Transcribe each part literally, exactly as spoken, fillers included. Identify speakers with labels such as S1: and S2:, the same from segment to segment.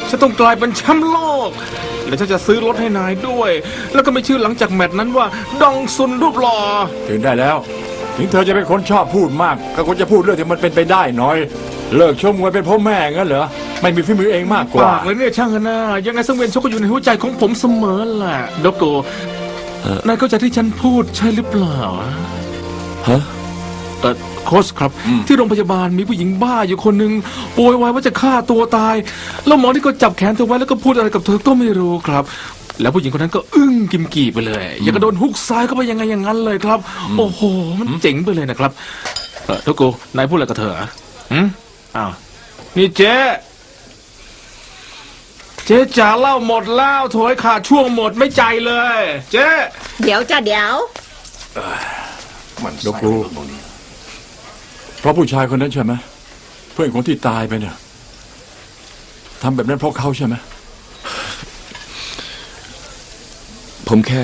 S1: ฉันต้องกลายเป็นแชมป์โลกและฉันจะซื้อรถให้นายด้วยแล้วก็ไม่ชื่อหลังจากแมตช์นั้นว่าดองซุนรูปหล่อ
S2: ถึงได้แล้วถึงเธอจะเป็นคนชอบพูดมากก็ควรจะพูดเรื่องที่มันเป็นไปได้หน่อยเลิกชมมวยเป็นพ่อแม่งั้นเหรอไม่มีฝีมือเองมากกว่า
S1: ปากเลยเนี่ยช่างกันนะยังไงสังเวียนชกก็อยู่ในหัวใจของผมเสมอแหละโดโกนายเข้าใจที่ฉันพูดใช่หรือเปล่า
S3: ฮะ
S1: เออโค้ชครับที่โรงพยาบาลมีผู้หญิงบ้าอยู่คนหนึ่งโวยวายว่าจะฆ่าตัวตายแล้วหมอที่ก็จับแขนเธอไว้แล้วก็พูดอะไรกับเธอก็ไม่รู้ครับแล้วผู้หญิงคนนั้นก็อึ้งกิมกี่ไปเลยอย่างกระโดนฮุกซ้ายเข้าไปยังไงอย่างนั้นเลยครับโอ้โหมันเจ๋งไปเลยนะครับเออโดโกนายพูดอะไรกับเธออืมอ้าวนี่เจ๊เจ๊จ๋าเล่าหมดแล้วโถยขาดช่วงหมดไม่ใจเลยเจ๊
S4: เดี๋ยวจ้ะเดี๋ยว
S2: มันโดกูเพราะผู้ชายคนนั้นใช่ไหมเพื่อนของที่ตายไปเนี่ยทำแบบนั้นเพราะเขาใช่ไหม
S3: ผมแค่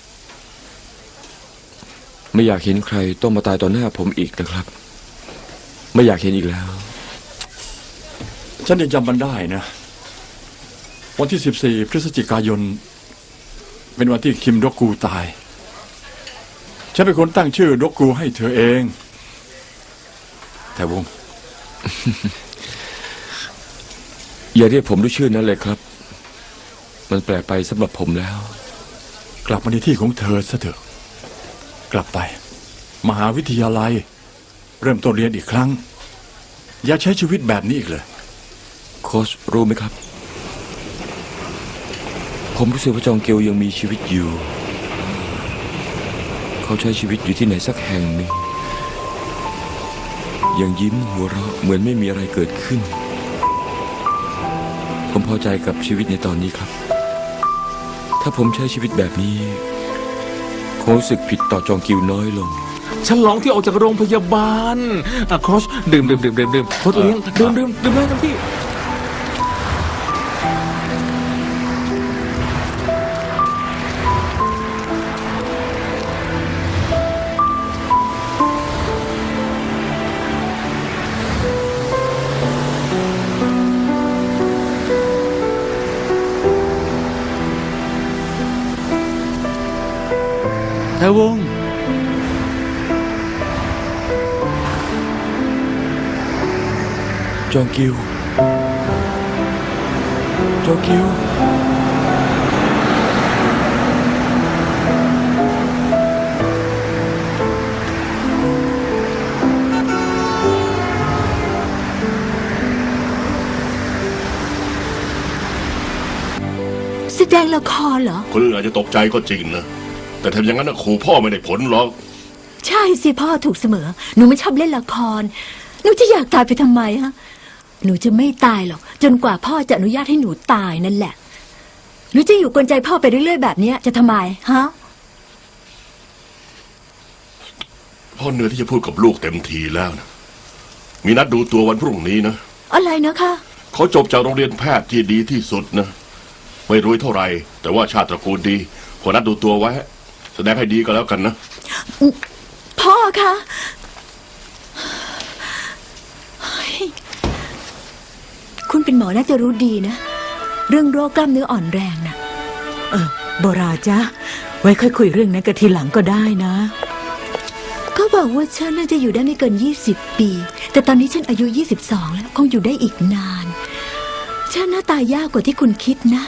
S3: ไม่อยากเห็นใครต้องมาตายต่อหน้าผมอีกนะครับไม่อยากเห็นอีกแล้ว
S2: ฉันยังจำมันได้นะวันที่สิบสี่พฤศจิกายนเป็นวันที่คิมดอกกูตายฉันเป็นคนตั้งชื่อดอกกูให้เธอเองแต่วง
S3: อย่าเรียกผมด้วยชื่อนั้นเลยครับมันแปลกไปสำหรับผมแล้ว
S2: กลับมาในที่ของเธอซะเถอะกลับไปมหาวิทยาลัยเริ่มต้นเรียนอีกครั้งอย่าใช้ชีวิตแบบนี้อีกเลย
S3: โค้ชรู้ไหมครับผมรู้สึกว่าจองเกียวยังมีชีวิตอยู่เขาใช้ชีวิตอยู่ที่ไหนสักแห่งหนึ่งยังยิ้มหัวเราะเหมือนไม่มีอะไรเกิดขึ้นผมพอใจกับชีวิตในตอนนี้ครับถ้าผมใช้ชีวิตแบบนี้คงรู้สึกผิดต่อจองกิวน้อยลง
S1: ฉันร้องที่ออกจากโรงพยาบาลอ่ะโค้ชดื่มดื่มดื่มดื่มดื่มโค้ชเลี้ยงดื่มดื่มดื่มได้ทั้งที่
S5: แต่วง
S3: จองกิวจองกิว
S6: แสดงละครเหรอ
S7: คนอื่นอาจจะตกใจก็จริงนะแต่ทำอย่างนั้นนะขู่พ่อไม่ได้ผลหรอก
S6: ใช่สิพ่อถูกเสมอหนูไม่ชอบเล่นละครหนูจะอยากตายไปทำไมฮะหนูจะไม่ตายหรอกจนกว่าพ่อจะอนุญาตให้หนูตายนั่นแหละหนูจะอยู่กลใจพ่อไปเรื่อยๆแบบนี้จะทำไมฮะ
S7: พ่อเหนื่อยที่จะพูดกับลูกเต็มทีแล้วนะมีนัดดูตัววันพรุ่งนี้นะ
S6: อะไรนะคะ
S7: เขาจบจากโรงเรียนแพทย์ที่ดีที่สุดนะไม่รู้เท่าไหร่แต่ว่าชาติตระกูลดีขอนัดดูตัวไว้แสดงให้ดีก็แล้วกันนะ
S6: พ่อคะคุณเป็นหมอน่าจะรู้ดีนะเรื่องโรคกล้ามเนื้ออ่อนแรงน่ะ
S4: เออโบราจ้ะไว้ค่อยคุยเรื่องนั้นกันทีหลังก็ได้นะ
S6: เขาบอกว่าฉันน่าจะอยู่ได้ไม่เกินยี่สิบปีแต่ตอนนี้ฉันอายุยี่สิบสองแล้วคงอยู่ได้อีกนานฉันน่าตายยากกว่าที่คุณคิดนะ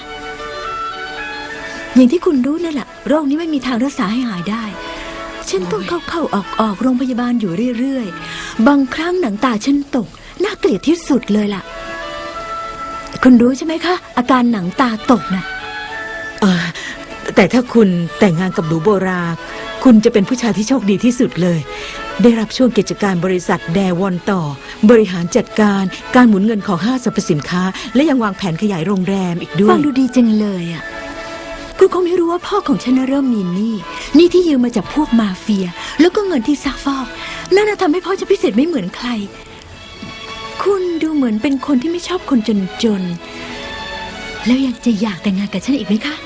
S6: อย่างที่คุณรู้นั่นแหละโรคนี้ไม่มีทางรักษาให้หายได้ฉันต้องเข้าเข้าออกออกโรงพยาบาลอยู่เรื่อยๆบางครั้งหนังตาฉันตกน่าเกลียดที่สุดเลยล่ะคุณรู้ใช่ไหมคะอาการหนังตาตกน่ะ
S4: เออแต่ถ้าคุณแต่งงานกับหนูโบราคุณจะเป็นผู้ชายที่โชคดีที่สุดเลยได้รับช่วงกิจการบริษัทแดวอนต่อบริหารจัดการการหมุนเงินของห้างสรรพสินค้าและยังวางแผนขยายโรงแรมอีกด้วย
S6: ฟังดูดีจังเลยอ่ะคุณคงไม่รู้ว่าพ่อของฉันเริ่มมีหนี้หนี้ที่ยืมมาจากพวกมาเฟียแล้วก็เงินที่ซักฟอกนั่นทำให้พ่อฉันพิเศษไม่เหมือนใครคุณดูเหมือนเป็นคนที่ไม่ชอบคนจนๆแล้วยังจะอยากแต่งงานกับฉันอีกไหมคะ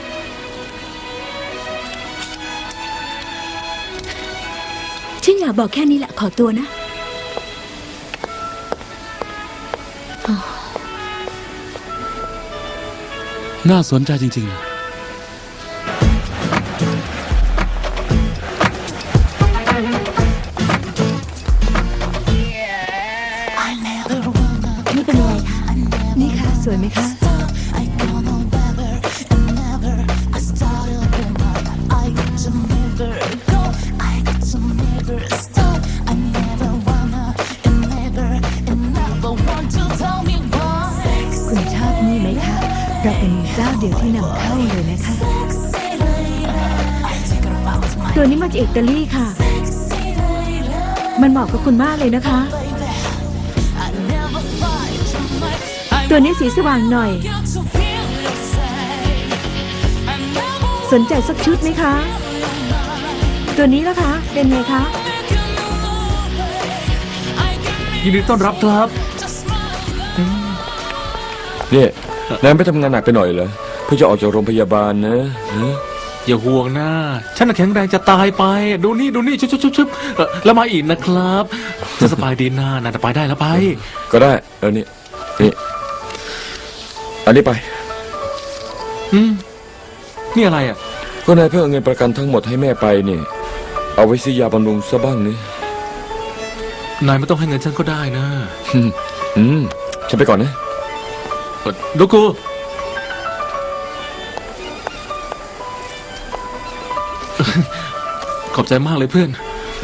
S6: ฉันอยากบอกแค่นี้แหละขอตัวนะ
S5: น่าสนใจจริงๆ
S6: นี่เป็นยังไงคะนี่ค่ะสวยไหมคะ คุณชอบนี่ไหมคะเราเป็นเจ้าเดียวที่นำเข้าเลยนะคะ ตัวนี้มาจากอิตาลีค่ะ มันเหมาะกับคุณมากเลยนะคะ ตัวนี้สีสว่างหน่อย สนใจสักชุดไหมคะ ตัวนี้ล่ะคะ เป็นไงคะ
S1: ยินดีต้อนรับครับ
S3: เนี่ยนายไม่ทำงานหนักไปหน่อยเหรอเพื่อจะออกจากโรงพยาบาลนะฮะ
S1: อย่าห่วงนะฉันน่ะแข็งแรงจะตายไป ดูนี่ดูนี่ชุบชุบชุบชุบเอ่อแล้วมาอีกนะครับจะสบายดีนะน่าจะไปได้แล้วไป
S3: ก็ได้เออนี่นี่อันนี้ไป
S1: อืมนี่อะไรอ่ะ
S3: ก็นายเพิ่งเอาเงินประกันทั้งหมดให้แม่ไปนี่เอาไว้ซื้อยาบำรุงซะบ้างนี่
S1: นายไม่ต้องให้เงินฉันก็ได้นะ
S3: อืมอืมฉันไปก่อนนะ
S1: เอ่อโดโกูขอบใจมากเลยเพื่อน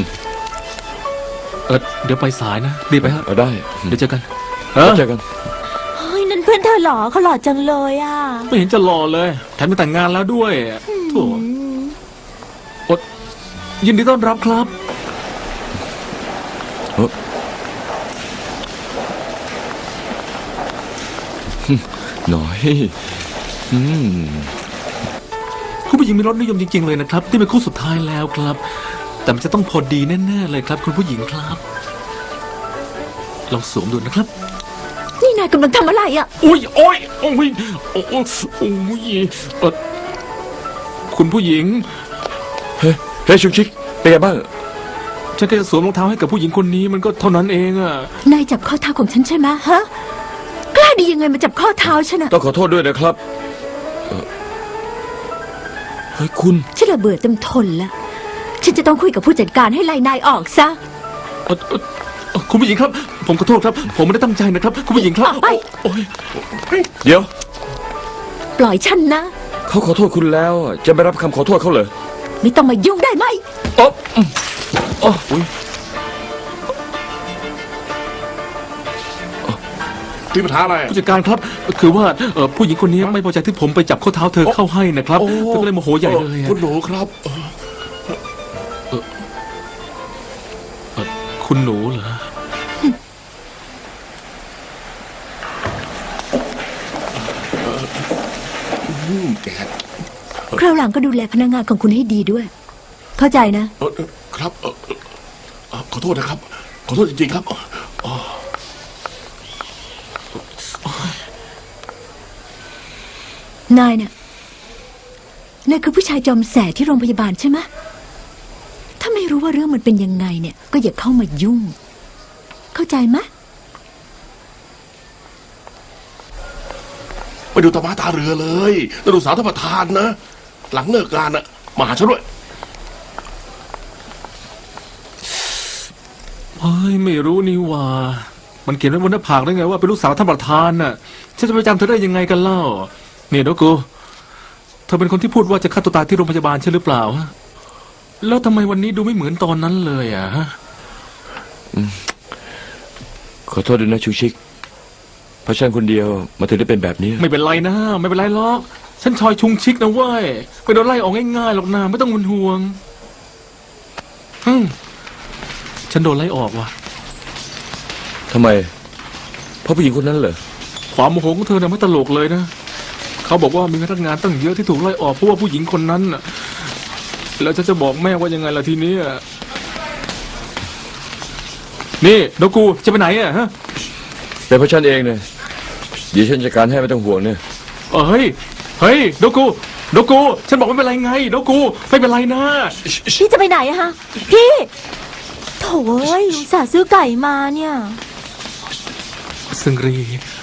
S1: เออเดี๋ยวไปสายนะรีบไปฮะ
S3: เอาได้
S1: เดี๋ยวเจอกันเอ
S3: แล้ว
S1: อ
S3: เจอกัน
S6: เฮ้ย นั่นเพื่อนเธอหรอเขาหล่อจังเลยอ่ะ
S1: ไม่เห็นจะหล่อเลยแถมไปแต่งงานแล้วด้วยโถ่อดยินดีต้อนรับครับ
S3: หน่อยอืม
S1: คุณผู้หญิงมีรสนิยมจริงๆเลยนะครับที่เป็นคู่สุดท้ายแล้วครับ แต่มันจะต้องพอดีแน่ๆเลยครับ คุณผู้หญิงครับลองสวมดูนะครับ
S6: นี่นายกำลังทำอะไรอ่ะ
S1: อุ้ยโอ้ยโอ้ยโอ้ยโอ้ยเอ่อคุณผู้หญิง
S3: เฮ้ยเฮ้ยชุกชิกเป็นไงบ้าง
S1: ฉันแค่จะสวมรองเท้าให้กับผู้หญิงคนนี้มันก็เท่านั้นเองอะ
S6: นายจับข้อเท้าของฉันใช่ไหมฮะ กล้าดียังไงมาจับข้อเท้าฉันอ่ะ
S3: ต้องขอโทษด้วยนะครับเอ่อเฮ้ยคุณ
S6: ฉันระเบื่อเต็มทนแล้ว ฉันจะต้องคุยกับผู้จัดการให้ไล่นายออกซะ
S1: เอ่อเอ่อเอ่อคุณผู้หญิงครับ ผมขอโทษครับ ผมไม่ได้ตั้งใจนะครับ คุณผู้หญิงครับ
S6: ออกไป
S1: โอ้ย
S3: เดี๋ยว
S6: ปล่อยฉันนะ
S3: เขาขอโทษคุณแล้วจะไม่รับคำขอโทษเขาเหรอ
S6: ไม่ต้องมายุ่งได้ไหม
S3: อ๋ออืมอ๋ออุ๊ย
S7: มีปัญหาอะไร
S1: ผู้จัดการครับ คือว่าเอ่อผู้หญิงคนนี้ไม่พอใจที่ผมไปจับข้อเท้าเธอเข้าให้นะครับ
S7: โอ้
S1: เธอก็เลยโมโหใหญ่เลยอะ
S7: คุณหนูครับ
S1: เอ่อคุณหนูเหรอ
S7: อืมแก
S6: คราวหลังก็ดูแลพนักงานของคุณให้ดีด้วย เข้าใจนะ
S7: เอ่อเอ่อครับเอ่อเอ่อขอโทษนะครับ ขอโทษจริงๆครับอ๋อ
S6: นายเนี่ยนายคือผู้ชายจอมแสที่โรงพยาบาลใช่ไหมถ้าไม่รู้ว่าเรื่องมันเป็นยังไงเนี่ย ก็อย่าเข้ามายุ่ง เข้าใจไหม
S7: ไปดูตามาตาเรือเลยแล้วดูสาวท่านประธานนะ หลังเลิกงานน่ะมาหาฉันด้วย
S1: เฮ้ยไม่รู้นี่หว่า มันเขียนไว้บนหน้าผากได้ไงว่าเป็นลูกสาวท่านประธานน่ะฉันจะไปจำเธอได้ยังไงกันเล่าเนี่ยโดโกูเธอเป็นคนที่พูดว่าจะฆ่าตัวตายที่โรงพยาบาลใช่หรือเปล่าฮะแล้วทำไมวันนี้ดูไม่เหมือนตอนนั้นเลยอ่ะฮะ
S3: ขอโทษด้วยนะชุกชิกเพราะฉันคนเดียวมาถึงได้เป็นแบบนี้
S1: ไม่เป็นไรนะไม่เป็นไรหรอกฉันชอยชุงชิกนะเว้ยไม่โดนไล่ออกง่ายๆหรอกนะไม่ต้องเป็นห่วงฮึมฉันโดนไล่ออกว่ะ
S3: ทำไมเพราะผู้หญิงคนนั้นเหรอ
S1: ความโมโหของเธอเนี่ยไม่ตลกเลยนะเขาบอกว่ามีพนักงานตั้งเยอะที่ถูกไล่ออกเพราะว่าผู้หญิงคนนั้นน่ะแล้วฉันจะบอกแม่ว่ายังไงล่ะทีนี้อะนี่โดกูจะไปไหนอ่ะฮะ
S3: เป็นเพราะฉันเองเนี่ยเดี๋ยวฉันจัดการให้ไม่ต้องห่วงเนี่ย
S1: เออเฮ้ยเฮ้ยโดกูโดกูฉันบอกไม่เป็นไรไงโดกูไม่เป็นไรนะ
S6: พี่จะไปไหนอะฮะ พี่โถ่เอ้ยอุตส่าห์ซื้อไก่มาเนี่ย
S1: ซึงรี